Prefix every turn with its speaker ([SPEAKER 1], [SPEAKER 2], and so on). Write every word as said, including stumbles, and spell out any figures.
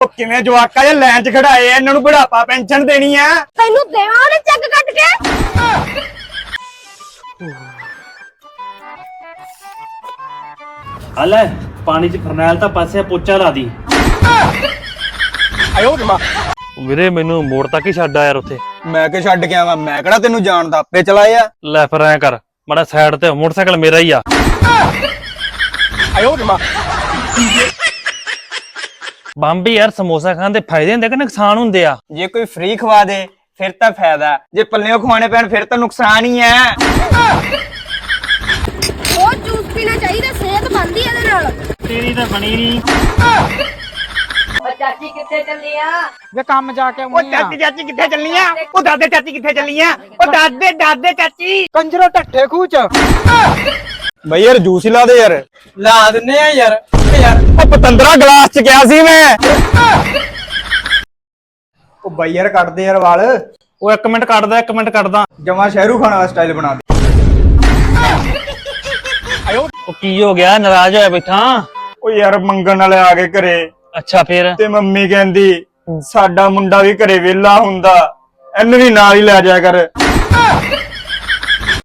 [SPEAKER 1] ਕਿਵੇਂ ਜਵਾਕਾ ਜੇ ਲਾਈਨ 'ਚ ਖੜਾਏ ਆ, ਇਹਨਾਂ ਨੂੰ ਬੁਢਾਪਾ ਪੈਨਸ਼ਨ ਦੇਣੀ ਆ।
[SPEAKER 2] ਤੈਨੂੰ ਦੇਵਾਂ ਉਹਨੇ ਚੱਕ ਕੱਟ ਕੇ।
[SPEAKER 3] ਆ ਲੈ ਪਾਣੀ 'ਚ ਫਰਨੈਲ ਤਾਂ ਪਾਸੇ ਪੋਚਾ ਲਾ ਦੀ।
[SPEAKER 1] ਆਇਓ ਮਾਂ
[SPEAKER 4] ਵੀਰੇ ਮੈਨੂੰ ਮੋੜ ਤੱਕ ਹੀ ਛੱਡ ਆ ਯਾਰ ਉੱਥੇ।
[SPEAKER 1] ਮੈਂ ਕਿ ਛੱਡ ਕੇ ਆਵਾਂ, ਮੈਂ ਕਿਹੜਾ ਤੈਨੂੰ ਜਾਣਦਾ, ਆਪੇ ਚਲਾਏ ਆ।
[SPEAKER 4] ਲੈ ਫਿਰ ਐ ਕਰ ਮਾੜਾ ਸਾਈਡ ਤੇ, ਮੋਟਰਸਾਈਕਲ ਮੇਰਾ ਹੀ ਆ।
[SPEAKER 1] ਆਇਓ ਮਾਂ
[SPEAKER 4] ਬੰਬੀ ਯਾਰ ਸਮੋਸਾ ਖਾਣ ਦੇ ਫਾਇਦੇ ਹੁੰਦੇ ਕਿ ਨੁਕਸਾਨ ਹੁੰਦੇ ਆ?
[SPEAKER 1] ਜੇ ਕੋਈ ਫ੍ਰੀ ਖਵਾ ਦੇ ਫਿਰ ਤਾਂ ਫਾਇਦਾ, ਜੇ ਪੱਲਿਓਂ ਖਵਾਣੇ ਪੈਣ ਫਿਰ ਤਾਂ ਨੁਕਸਾਨ ਹੀ ਹੈ।
[SPEAKER 2] ਉਹ ਜੂਸ ਪੀਣਾ ਚਾਹੀਦਾ, ਸਿਹਤ ਬਣਦੀ ਇਹਦੇ ਨਾਲ।
[SPEAKER 3] ਤੇਰੀ ਤਾਂ ਬਣੀ ਨਹੀਂ।
[SPEAKER 2] ਉਹ ਚਾਚੀ ਕਿੱਥੇ ਚੱਲੀ ਆ?
[SPEAKER 5] ਵੇ ਕੰਮ ਜਾ ਕੇ
[SPEAKER 1] ਉਹ ਚਾਚੀ ਚਾਚੀ ਕਿੱਥੇ ਚੱਲੀਆਂ? ਉਹ ਦਾਦੇ ਚਾਚੀ ਕਿੱਥੇ ਚੱਲੀਆਂ? ਉਹ ਦਾਦੇ ਦਾਦੇ ਚਾਚੀ
[SPEAKER 5] ਕੰਜਰੋ ਢੱਠੇ ਖੂਹ ਚ।
[SPEAKER 1] ਬਈ ਯਾਰ ਜੂਸ ਹੀ ਲਾ ਦੇ ਯਾਰ।
[SPEAKER 5] ਲਾ ਦਿੰਨੇ ਆ ਯਾਰ। ਯਾਰ
[SPEAKER 1] ਉਹ ਪਤੰਦਰਾ ਗਲਾਸ ਚ ਗਿਆ ਸੀ ਮੈਂ। ਉਹ ਬਈ ਯਾਰ ਕੱਢ ਦੇ ਯਾਰ ਵਾਲ।
[SPEAKER 4] ਉਹ ਇੱਕ ਮਿੰਟ ਕੱਢਦਾ, ਇੱਕ ਮਿੰਟ ਕੱਢਦਾ।
[SPEAKER 1] ਜਮਾ ਸ਼ਹਿਰੂ ਖਾਨ ਵਾਲਾ ਸਟਾਈਲ ਬਣਾ ਦੇ।
[SPEAKER 4] ਉਹ ਕੀ ਹੋ ਗਿਆ, ਨਾਰਾਜ਼ ਹੋਇਆ ਬੈਠਾ?
[SPEAKER 1] ਉਹ ਯਾਰ ਮੰਗਣ ਵਾਲੇ ਆ ਗਏ ਘਰੇ,
[SPEAKER 4] ਅੱਛਾ ਫੇਰ?
[SPEAKER 1] ਤੇ ਮੰਮੀ ਕਹਿੰਦੀ ਸਾਡਾ ਮੁੰਡਾ ਵੀ ਘਰੇ ਵਿਹਲਾ ਹੁੰਦਾ, ਇਹਨੂੰ ਵੀ ਨਾਲ ਹੀ ਲੈ ਜਾਇਆ ਕਰ।